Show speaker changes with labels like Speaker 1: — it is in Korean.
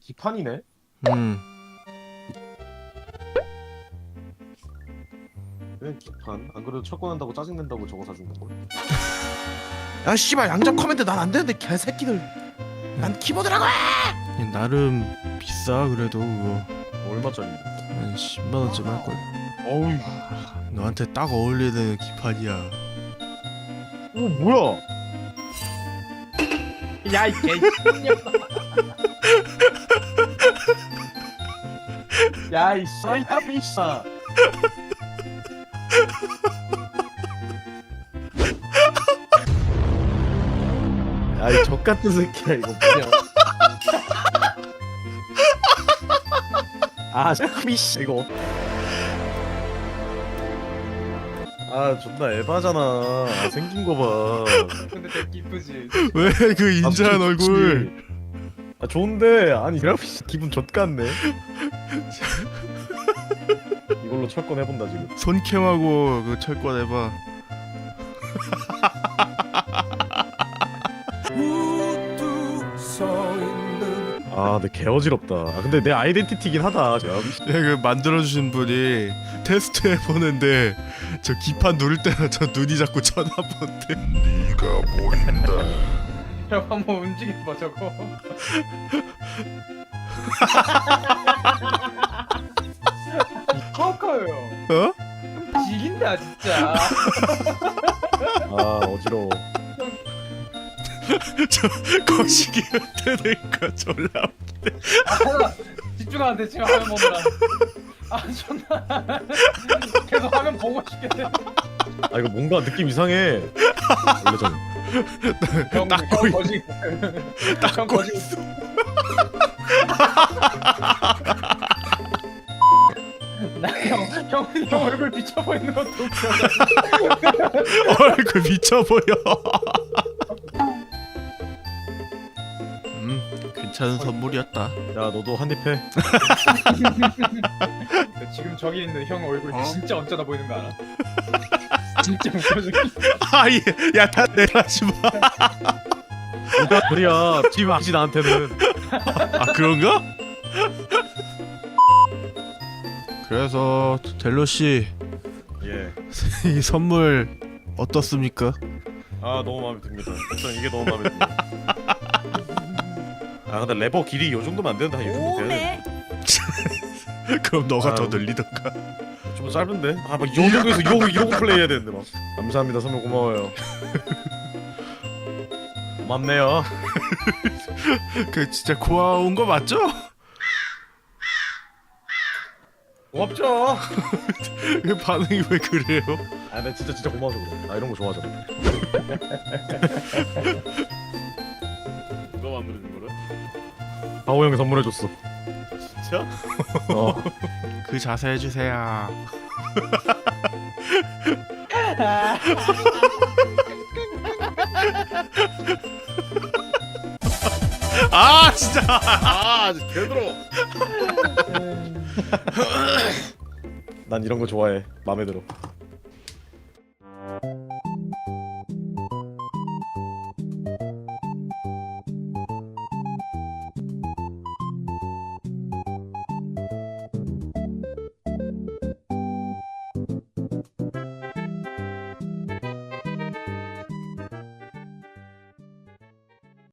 Speaker 1: 기판이네? 왜 기판? 안 그래도 철권한다고 짜증낸다고 저거 사준 거고.
Speaker 2: 야 씨발 양잡 커맨드 난 안 되는데 개새끼들. 난 키보드라고 해.
Speaker 3: 나름 비싸 그래도 그거
Speaker 1: 얼마짜리?
Speaker 3: 한 10만 원쯤 할걸.
Speaker 1: 어우,
Speaker 3: 너한테 딱 어울리는 기판이야.
Speaker 1: 이거 뭐야?
Speaker 4: 야이 개.
Speaker 1: 야이 사이타비사. 야이 족같은 새끼야 이거 뭐냐? 아 사비씨 이거. 아 존나 에바잖아. 아, 생긴 거 봐.
Speaker 4: 근데 되게 이쁘지.
Speaker 3: 왜 그 인자한
Speaker 1: 아,
Speaker 3: 얼굴?
Speaker 1: 좋지. 아 좋은데 아니 그래픽 기분 좆같네. 이걸로 철권 해본다 지금.
Speaker 3: 손캠하고 그 철권 해봐.
Speaker 1: 아 근데 개 어지럽다. 아 근데 내 아이덴티티긴 하다. 야,
Speaker 3: 그 만들어주신 분이 테스트 해보는데 저 기판 누를 때마다 저 눈이 자꾸 쳐다본대. 네가 보인다.
Speaker 4: 형 한번 움직여봐 저거. 커커요.
Speaker 3: 어?
Speaker 4: 지긴다 진짜.
Speaker 1: 아 어지러워.
Speaker 3: 저 거시기 되니까 졸라.
Speaker 4: 아, 집중하는데 지금 화면 보느라. 아 존나. 계속 화면 보고 싶겠네.
Speaker 1: 아 이거 뭔가 느낌 이상해. 원래 좀.
Speaker 4: 형
Speaker 3: 닦고
Speaker 4: 거지. 형
Speaker 3: 닦고
Speaker 4: 거지.
Speaker 3: 있어.
Speaker 4: 형 얼굴 비쳐 보이는 것도 웃겨.
Speaker 3: 얼굴 미쳐 보여. 괜찮은 선물이었다.
Speaker 1: 야 너도 한입 해.
Speaker 4: 지금 저기 있는 형 얼굴 진짜 언짢아 보이는 거 알아? 진짜 웃겨져.
Speaker 3: 아 예, 야다 내라지 마.
Speaker 1: 뭐가 그래야 지금 아지 나한테는.
Speaker 3: 아 그런가? 그래서 델로 씨,
Speaker 1: 예.
Speaker 3: 이 선물 어떻습니까?
Speaker 1: 아 너무 마음에 듭니다. 일단 이게 너무 마음에 듭니다. 아 근데 레버 길이 요 정도면 안 되는데 한 이 정도 돼야 돼.
Speaker 3: 그럼 너가 더
Speaker 1: 아유.
Speaker 3: 늘리던가.
Speaker 1: 좀 짧은데? 아막이 정도에서 이러고 플레이 해야 되는데 막. 감사합니다 선물 고마워요. 고맙네요.
Speaker 3: 그 진짜 고마운 거 맞죠?
Speaker 1: 고맙죠.
Speaker 3: 그 반응이 왜 그래요?
Speaker 1: 아 근데 진짜 고마워서 그래. 나 이런 거 좋아하잖아.
Speaker 5: 누가 만들어준 거래?
Speaker 1: 바오 형이 선물해줬어.
Speaker 5: 진짜?
Speaker 1: 어.
Speaker 3: 그 자세 해주세요. 아 진짜.
Speaker 5: 아, 개들어.
Speaker 1: 난 이런 거 좋아해. 마음에 들어.